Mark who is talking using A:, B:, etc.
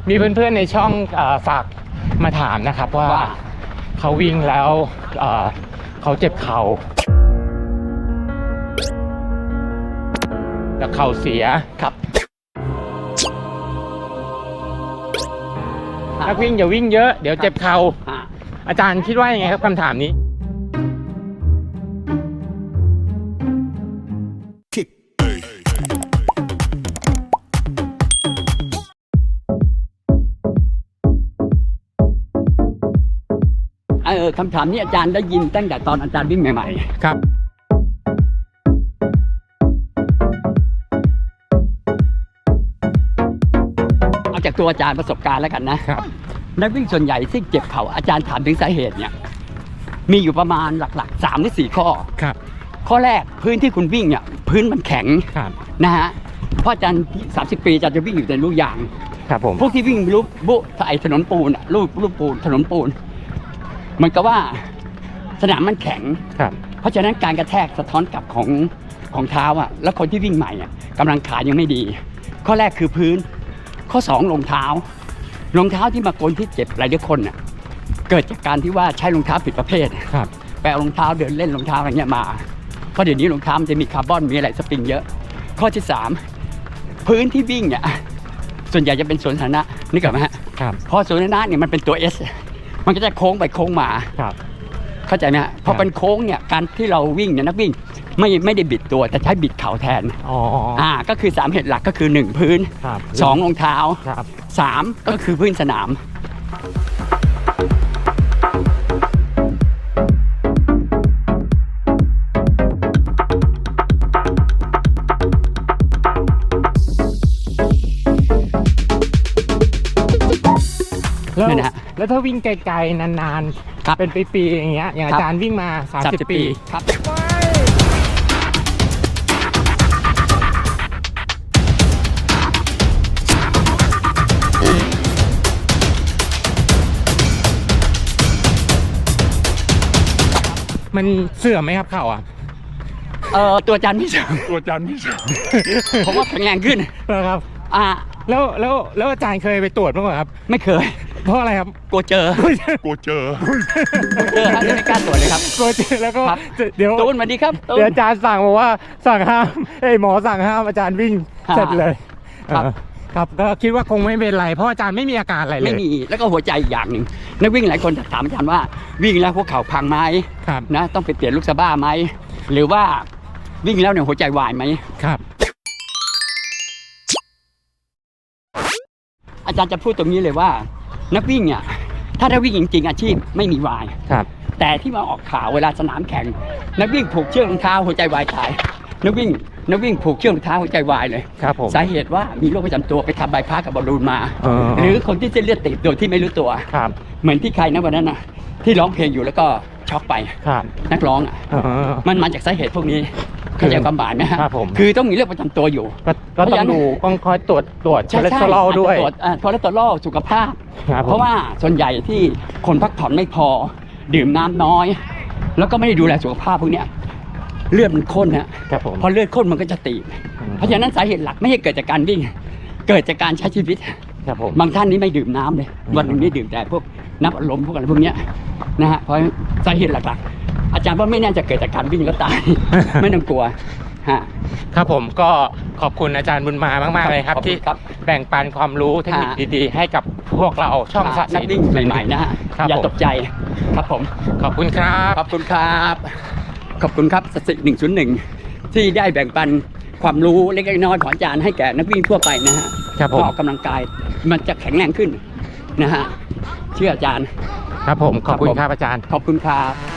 A: มีเพื่อนๆในช่องฝากมาถามนะครับว่าเขาวิ่งแล้วเขาเจ็บเข่าแล้วเข่าเสีย
B: ครับ
A: นักวิ่งอย่าวิ่งเยอะเดี๋ยวเจ็บเข่าอาจารย์คิดว่ายังไงครับคำถามนี้
B: คำถามนี้อาจารย์ได้ยินตั้งแต่ตอนอาจารย์วิ่งใหม่ๆ
A: ครับ
B: เอาจากตัวอาจารย์ประสบการณ์แล้วกันนะครับนักวิ่งส่วนใหญ่ที่เจ็บเข่าอาจารย์ถามถึงสาเหตุเนี่ยมีอยู่ประมาณหลักๆ3 หรือ 4 ข้อ
A: ครับ
B: ข้อแรกพื้นที่คุณวิ่งเนี่ยพื้นมันแข็งนะฮะเพราะอาจารย์30 ปีอาจารย์จะวิ่งอยู่ในลูกยาง
A: ครับผม
B: พวกที่วิ่งรูปบุไอถนนปูนรูปปูนถนนปูนมันก็ว่าสนามมันแข็งเพราะฉะนั้นการกระแทกสะท้อนกลับของเท้าอ่ะแล้วคนที่วิ่งใหม่อ่ะกำลังขายังไม่ดีข้อแรกคือพื้นข้อ2รองเท้ที่มาคนที่เจ็บหลายคนอ่ะเกิดจากการที่ว่าใช้รองเท้าผิดประเภทไปเอารองเท้าเดินเล่นรองเท้าอะไรเงี้ยมาเพราะเดี๋ยวนี้รองเท้ามันจะมีคาร์บอนมีอะไรสปริงเยอะข้อที่3พื้นที่วิ่งเนี่ยส่วนใหญ่จะเป็นสวนสาธารณะนี่ก่อนไหมฮะพอสวนสาธารณะเนี่ยมันเป็นตัว Sมันก็จะโค้งไปโค้งมาเข้าใจไหมฮะพอเป็นโค้งเนี่ยการที่เราวิ่งเนี่ยนักวิ่งไม่ได้บิดตัวแต่ใช้บิดเข่าแทนก็คือ3เหตุหลักก็คือ1พื้น2รองเท้า3ก็คือพื้นสนาม
A: แล้วถ้าวิ่งไกลๆนานๆเป็นปีๆอย่างเงี้ยอย่างอาจารย์วิ่งมา30 ปีครับมันเสื่อมไหมครับเข่าอ่ะ
B: ตัวอาจารย์ไม่เสื่อมผมว่าแข็งแรงขึ้น
A: ครับแล้วอาจารย์เคยไปตรวจบ้างไหมครับ
B: ไม่เคย
A: เพราะอะไรครับ
B: กลัวเจอไม่กล้าตรวจเลยครับ
A: กลัวเจอแล้วก็เดี๋ยว
B: ตูนมาดีครับ
A: เดี๋ยวอาจารย์สั่งบอกว่าสั่งห้ามหมอสั่งห้ามอาจารย์วิ่งเสร็จเลยครับก็คิดว่าคงไม่เป็นไรเพราะอาจารย์ไม่มีอาการอะไรเลย
B: ไม่มีแล้วก็หัวใจอีกอย่างหนึ่งนักวิ่งหลายคนถามอาจารย์ว่าวิ่งแล้วพวกเข่าพังไหมนะต้องไปเปลี่ยนลูกสะบ้าไหมหรือว่าวิ่งแล้วเนี่ยหัวใจวายไหม
A: ครับ
B: อาจารย์จะพูดตรงนี้เลยว่านักวิ่งเนี่ยถ้าวิ่งจริงๆอาชีพไม่มีวายแต่ที่มาออกข่าวเวลาสนามแข่งนักวิ่งผูกเชือกรองเท้าหัวใจวายตายนักวิ่งผูกเชือกรองเท้าหัวใจวายเลยสาเหตุว่ามีโรคประจำตัวไปทำใบพัดกับบอลลูนมาหรือคนที่เส้นเลือดตีบโดยที่ไม่รู้ตัวเหมือนที่ใครนะวันนั้นนะที่ร้องเพลงอยู่แล้วก็ช็อกไปนักร้องมันมาจากสาเหตุพวกนี้เข้าใจความหมายไหมฮะคือต้องมีเรื่องประจำตัวอยู่
A: ก็ต้องดูต้องคอยตรวจคอเลสเตอรอลด้วย
B: คอเลสเตอรอลสุขภาพเพราะว่าส่วนใหญ่ที่คนพักผ่อนไม่พอดื่มน้ำน้อยแล้วก็ไม่ได้ดูแลสุขภาพพวกนี้เลือดมันข้นฮะพอเลือดข้นมันก็จะตีบเพราะฉะนั้นสาเหตุหลักไม่ใช่เกิดจากการวิ่งเกิดจากการใช้ชีวิตบางท่านนี้ไม่ดื่มน้ำเลยวันหนึ่งนี่ดื่มแต่พวกน้ำอัดลมพวกอะไรพวกนี้นะฮะเพราะสาเหตุหลักๆอาจารย์ว่าไม่น่าจะเกิดจากการวิ่งแล้วตายไม่ต้องกลัว
A: ครับผมก็ขอบคุณอาจารย์บุญมามากๆเลยครับที่แบ่งปันความรู้เทคนิคดีๆให้กับพวกเราช่อง
B: นักวิ่งใหม่ๆนะฮะอย่าตกใจครับผม
A: ขอบคุณครับ
B: ขอบคุณครับสติ101ที่ได้แบ่งปันความรู้เล็กๆน้อยๆของอาจารย์ให้แก่นักวิ่งทั่วไปนะฮะออกกำลังกายมันจะแข็งแรงขึ้นนะฮะเชื่ออาจารย์
A: ครับผมขอบคุณครับอาจารย์
B: ขอบคุณครับ